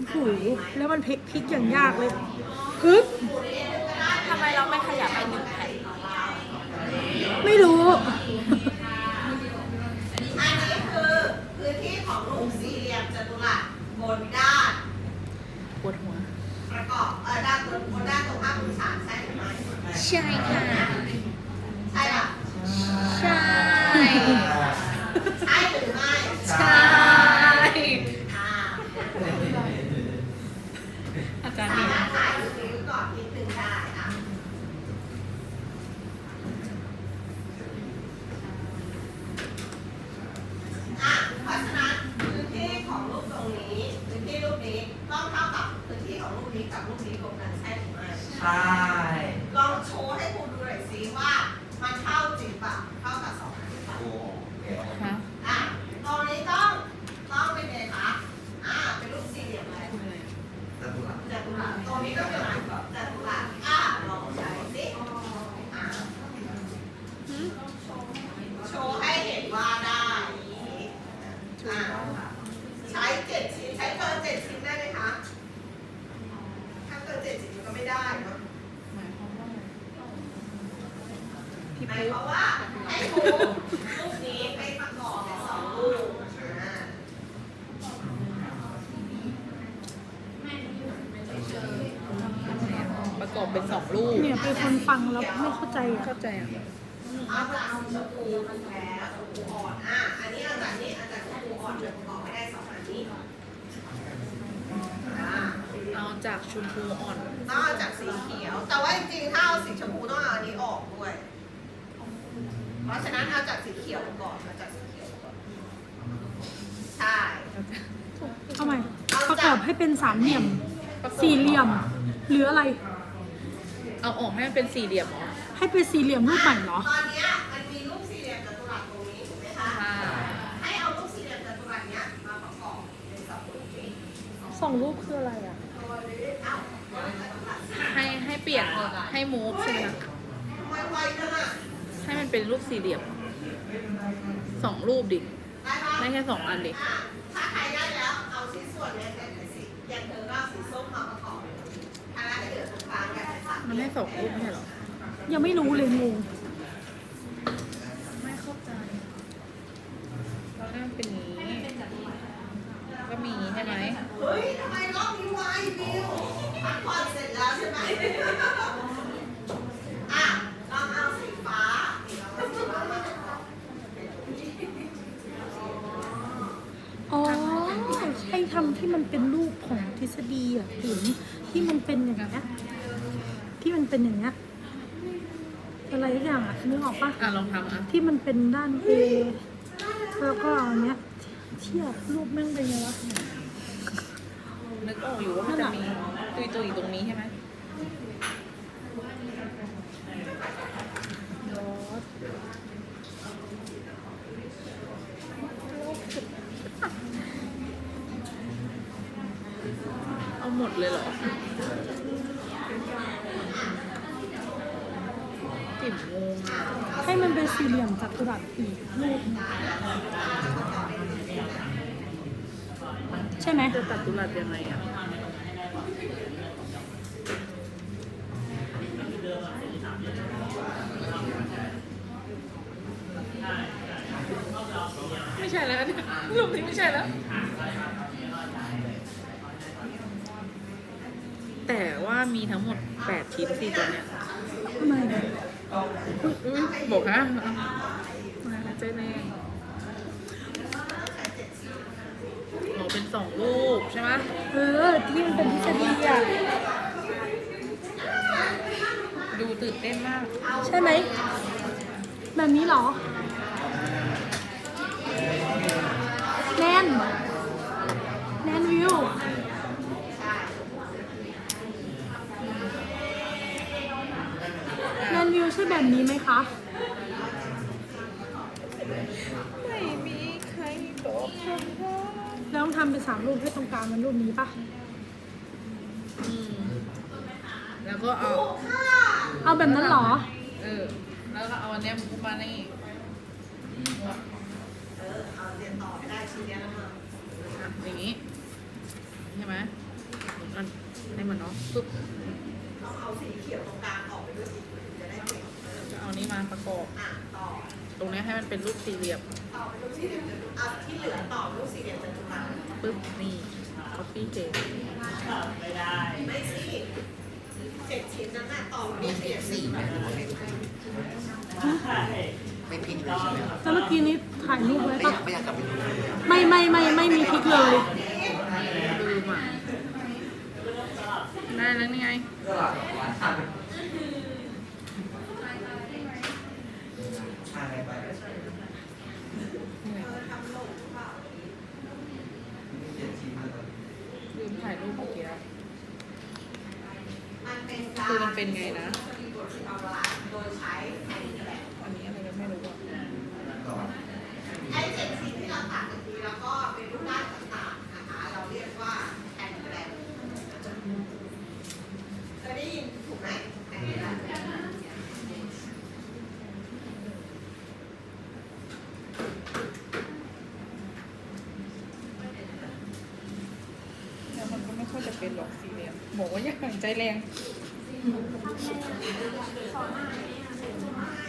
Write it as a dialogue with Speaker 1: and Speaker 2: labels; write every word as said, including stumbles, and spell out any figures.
Speaker 1: หูแล้วมันพลิกพลิกอย่างยากเลยฮึบ
Speaker 2: ทำไมเราไม่ขยับไปหนึ่งแผ่น
Speaker 1: ไม่รู้
Speaker 3: อันนี้คือพื้นที่ของรูปสี่เหลี่ยมจัตุรัสบนด้าน
Speaker 2: ปวดหัว
Speaker 3: ประกอบเออด้านบนบนด้านตรงข้ามพื้นฐานใช่หรือไม่
Speaker 2: ใช่ค่ะ
Speaker 3: ใช่ป่ะ
Speaker 2: ใช่
Speaker 3: ใช่หรือไม่
Speaker 2: ใช่
Speaker 3: อ่า
Speaker 2: อาจารย์
Speaker 3: สา
Speaker 2: นี่
Speaker 3: มารถถ่ายรูปนี้ก่อนนิดนึงได้อ่ะอ่ะเพราะฉะนั้นพื้นที่ของรูปตรงนี้พื้นที่รูปนี้ต้องเท่ากับพื้นที่ของรูปนี้กับรูปนี้รวมกันใช่หรือไม่
Speaker 4: ใช่
Speaker 3: ลองโชว์ให้ครูดูหน่อยสิว่ามันเท่าจริงป่ะเท่ากับสองอันหรือเปล่า
Speaker 4: โอ้เดี๋ยว
Speaker 2: ฮะ
Speaker 3: อ่ะตรงนี้ต้องต้องเป็นไงคะอ่าเป็นรูปสี่เหลี่ยมอะไร
Speaker 4: จัตุรัส
Speaker 3: จัตุรัสตรงนี้ก็เป็นอะไรจัตุรัสอ่ะลองใช้สิอ่ะโชว์ให้เห็นว่าได้อ่ะใช้เจ็ดชิ้นใช้เกินเจ็ดชิ้นได้ไหมคะถ้าเกินเจ็ดชิ้นก็ไม่ได้เนาะ
Speaker 2: หมายความว่าพี่
Speaker 3: หมาย
Speaker 2: ปุ๊
Speaker 3: ความว่าให้ครูรูปนี้ไปประกอบเป็นสองรูปอ่า
Speaker 2: ประกอบเป็นสองรูป
Speaker 1: เนี่ยเป็นคนฟังแล้วไม่เข้าใจอ่ะ
Speaker 2: เข้าใจอ่ะ
Speaker 3: เอาจากสีชมพูมันแล้วชมพูอ่อนอ่ะอันนี้เอาจากนี้เอาจากชมพูอ่อนเลยประกอบไม่ได้สองอันนี้อ่า
Speaker 2: เอาจากชมพูอ่อน
Speaker 3: ต้องเอาจากสีเขียว แต่ว่าจริงๆถ้าเอาสีชมพูต้องเอาอันนี้ออกด้วย เพราะฉะนั้นเอาจากสีเขียวก่อนเอาจากสีเขียวก่อนใช่
Speaker 1: เอาใหม่ประกอบให้เป็นสามเหลี่ยม สี่เหลี่ยม หรืออะไร
Speaker 2: เอาออกให้มันเป็นสี่เหลี่ยมเหรอ
Speaker 1: ให้เป็นสี่เหลี่ยมรูปใหม่เหรอ
Speaker 3: ตอนเนี้ยมันมีรูปสี่เหลี่ยมจัตุรัสตรงนี้ถูกไหมคะ
Speaker 2: ค่ะ
Speaker 3: ให้เอารูปสี่เหลี่ยมจัตุรัสเนี้ยมาประกอบเป็นสองรูปนี้
Speaker 1: สองรูปคืออะไรอ่ะ
Speaker 3: เอ้าเอาจัตุรัสสิ
Speaker 2: ให้ให้เปลี่ยนให้มูฟใช่ไหมคะ
Speaker 3: ทำไมไวจังอ่ะ
Speaker 2: ให้มันเป็นรูปสี่เหลี่ยมสองรูปดิ
Speaker 3: ได้ปะ
Speaker 2: ไม่แค่สองอันดิ
Speaker 3: อ่ะถ้าใครได้แล้วเอาชิ้นส่วนเนี้ยเป็นสีอย่างเธอก็เอาสีส้มมาประกอบถ้าได้เหลือตรงกลางกันเป็นสัตว์
Speaker 2: มันให้สองรูปไม่ใช่เหรอ
Speaker 1: ยังไม่รู้เลยงง
Speaker 2: ไม่เข้าใจเราได้มันเป็นอย่างนี้ก็มีใช่ไหม
Speaker 3: เฮ้ยทำไมรอบนี้ไวบิวพักผ่อนเสร็จแล้วใช่ไหมอ่ะลองเอาสีฟ้าลองเอาสีฟ้ามาประกอบ
Speaker 1: อ๋อใช่ทำที่มันเป็นรูปของทฤษฎีอ่ะถึงที่มันเป็นอย่างเงี้ยที่มันเป็นอย่างเงี้ยอะไรสักอย่างอ่ะนึกออกปะ
Speaker 2: อ่ะลองทำอ่ะ
Speaker 1: ที่มันเป็นด้าน A แล้วก็เอาอันเนี้ยเทียบรูปแม่งเป็นไงวะ
Speaker 2: นึกออกอยู่ว่ามันจะมีตุยตุยๆตรงนี้ใช่ไหม เอาหมดเลยเหรอจิ๋มงงอ่ะ
Speaker 1: ให้มันเป็นสี่เหลี่ยมจัตุรัสอีกรูปใช่ไหม
Speaker 2: จะตัดตุลัดยังไงอ่ะ ไม่ใช่แล้วเนี่ยรูปนี้ไม่ใช่แล้ว แต่ว่ามีทั้งหมดแปดชิ้นสี่ตัวเนี้ย
Speaker 1: ทำไม
Speaker 2: อุ๊ยบอกฮะมาแล้วเจ๊แน่อ๋อเป็นสองรูปใช่ไหม
Speaker 1: เออที่มันเป็นทฤษฎีอ่ะ
Speaker 2: ดูตื่นเต้นมาก
Speaker 1: ใช่ไหมแบบนี้เหรอแนนแนนวิวแนนวิวใช่แบบนี้ไหมคะ
Speaker 2: ไม่มีใครตกคำว่า
Speaker 1: แล้วต้องทำเป็นสามรูปให้ตรงกลางมันรูปนี้ปะ
Speaker 2: อืมแล้วก็เอา
Speaker 1: เอาแบบนั้นเหรอ
Speaker 2: เออ แล้วก็เอาอันเนี้ยมุกมานี่
Speaker 3: เออเอาเรียนต่อได้ชิ้นเนี้ยแล้วมา
Speaker 2: อย่างนี้ ใช่ไหม
Speaker 3: ใ
Speaker 2: ปึ๊บ
Speaker 3: ต้องเอาสีเขียวตรงกลางออกไปด้วยสีถึงจะได้เป็นเออ
Speaker 2: จะเอานี้มาประกอบ
Speaker 3: อ่ะต่อ
Speaker 2: ตรงนี้ให้มันเป็นรูปสี่เหลี่ยม
Speaker 3: ต่อเป็นรูปสี่เหลี่ยมจตุรัสอ่ะที่เหลือต่อรูปสี่เหลี่ยมจตุรัส
Speaker 2: ปึ๊บนี่ copy paste
Speaker 3: ไม่สิเจ็ดชิ้นนั้นน่ะต่อรูปสี่เหลี่ยม
Speaker 4: สี่ไหมหรือว่าไม่ไม่พลิกเลยใช่ไหมครับ
Speaker 1: แล้วเมื่อกี้นี้ถ่ายรูปไว้
Speaker 4: ไม่
Speaker 1: ปะ
Speaker 4: อยากไม่อยากกลับไปดูเลยอะ
Speaker 1: ไม่ไม่ไม่ไม่มีพริกเลย
Speaker 2: ลืมอ่ะ ได้แล้วนี่ไง
Speaker 4: อะไรไป
Speaker 2: นี่ไง
Speaker 3: เออทำหลงหรือเปล่า
Speaker 4: เจ็ดชิ้นเลย
Speaker 2: ลืมถ่ายรูปเมื่อกี้
Speaker 3: มันเป็นการ
Speaker 2: คือมันเป็นไงนะ
Speaker 3: มีบทที่ทำลายโดยใช้แผ่นแหลก
Speaker 2: อันนี้อะไรก็ไม่รู้อ่ะ
Speaker 4: ก่อน
Speaker 3: ไอ้เจ็ดชิ้นที่เราตัดเมื่อกี้แล้วก็เป็นรูปร่างต่างๆนะคะ เราเรียกว่าแผ่นแหลกเคยได้ยินถูกไหมแผ่นแหลก
Speaker 2: แล้วมันก็ไม่ค่อยจะเป็นหรอกสี่เหลี่ยมบอกว่าอย่าหายใจแรง
Speaker 3: ไม่